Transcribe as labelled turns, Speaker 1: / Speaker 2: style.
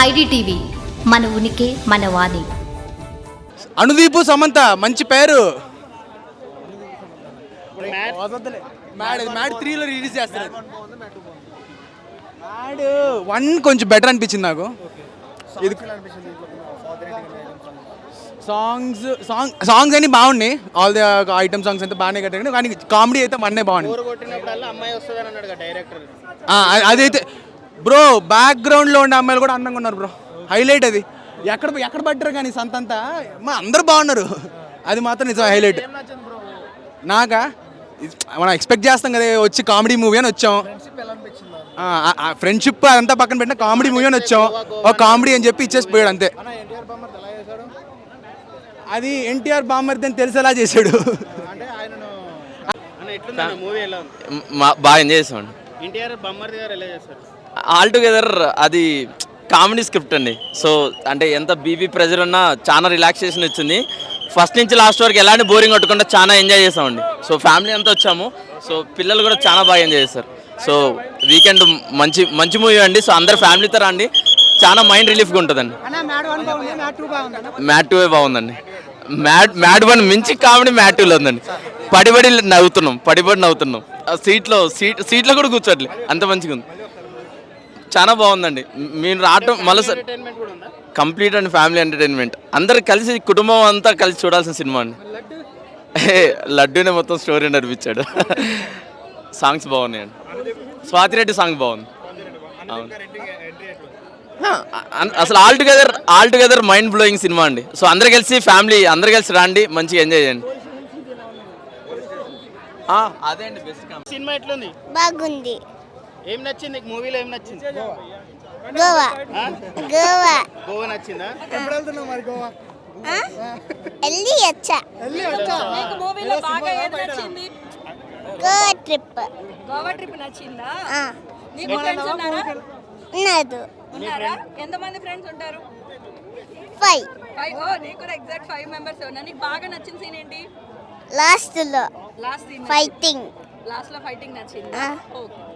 Speaker 1: IDTV మన ఉనికి మన వాణి.
Speaker 2: అనుదీపు సమంత మంచి పేరు. మ్యాడ్ 3లో రిలీజ్ చేస్తారు. మ్యాడ్ 1 కొంచెం బెటర్ అనిపించింది నాకు. ఇది సాంగ్స్ అన్ని బాగున్నాయి. ఆల్ ది ఐటమ్ సాంగ్స్ అయితే బాగానే కట్టారు, కానీ కామెడీ అయితే మన్నే బాగుంది. అదైతే బ్రో బ్యాక్గ్రౌండ్లో ఉండే అమ్మాయిలు కూడా అందంగా ఉన్నారు బ్రో. హైలైట్ అది. ఎక్కడ పడ్డారు కానీ సంతంతా అందరూ బాగున్నారు. అది మాత్రం నిజం హైలైట్. నాకా మనం ఎక్స్పెక్ట్ చేస్తాం కదా వచ్చి కామెడీ మూవీ అని వచ్చాం. ఫ్రెండ్షిప్ అదంతా పక్కన పెట్టిన కామెడీ మూవీ అని వచ్చాం. ఒక కామెడీ అని చెప్పి ఇచ్చేసి పోయాడు అంతే. అది ఎన్టీఆర్ బామ్మర్ది అని తెలిసేలా చేశాడు.
Speaker 3: బాగా ఎంజాయ్ చేసామండి. ఆల్ టుగెదర్ అది కామెడీ స్క్రిప్ట్ అండి. సో అంటే ఎంత బీబీ ప్రెజర్ ఉన్నా చాలా రిలాక్సేషన్ ఇచ్చింది. ఫస్ట్ నుంచి లాస్ట్ వరకు ఎలాంటి బోరింగ్ కొట్టకుండా చాలా ఎంజాయ్ చేసామండి. సో ఫ్యామిలీ అంతా వచ్చాము. సో పిల్లలు కూడా చాలా బాగా ఎంజాయ్ చేస్తారు. సో వీకెండ్ మంచి మూవీ అండి. సో అందరు ఫ్యామిలీతో రండి, చాలా మైండ్ రిలీఫ్గా ఉంటుందండి. మ్యాట్ 2 బాగుందండి. మ్యాడ్ 1 మించి కామెడీ మ్యాట్ 2లో ఉందండి. పడిబడి నవ్వుతున్నాం. సీట్లో కూడా కూర్చోట్లే, అంత మంచిగా ఉంది. చాలా బాగుందండి. మీరు రావటం మళ్ళీ sir complete and family entertainment. అందరు కలిసి కుటుంబం అంతా కలిసి చూడాల్సిన సినిమా అండి. లడ్డూనే మొత్తం స్టోరీ నడిపించాడు. సాంగ్స్ బాగున్నాయండి. స్వాతిరెడ్డి సాంగ్ బాగుంది. అవును, అసలు ఆల్ టుగెదర్ మైండ్ బ్లోయింగ్ సినిమా అండి. సో అందరు కలిసి ఫ్యామిలీ అందరు కలిసి రండి, మంచిగా ఎంజాయ్ చేయండి. అదే అండి బెస్ట్
Speaker 4: సినిమా. ఎట్లుంది?
Speaker 5: బాగుంది.
Speaker 4: ఏం నచ్చింది మూవీలో? ఏం నచ్చింది? గోవా నచ్చిందా?
Speaker 2: ఎప్పుడు వెళ్తున్నావు మరి గోవా?
Speaker 6: మూవీలో బాగా ఏది నచ్చింది? గోవా ట్రిప్ నచ్చిందా? నీకు ఫ్రెండ్స్ ఉన్నారా? ఉన్నారా? ఎంతమంది ఫ్రెండ్స్ ఉంటారు?
Speaker 5: 5.
Speaker 6: ఓ నీకు కూడా ఎగ్జాక్ట్ 5 మెంబర్స్ ఉన్నా. నీకు బాగా నచ్చిన సీన్ ఏంటి?
Speaker 5: Last
Speaker 6: last scene
Speaker 5: fighting.
Speaker 6: Last లో ఫైటింగ్ నచ్చిందా? ఓకే.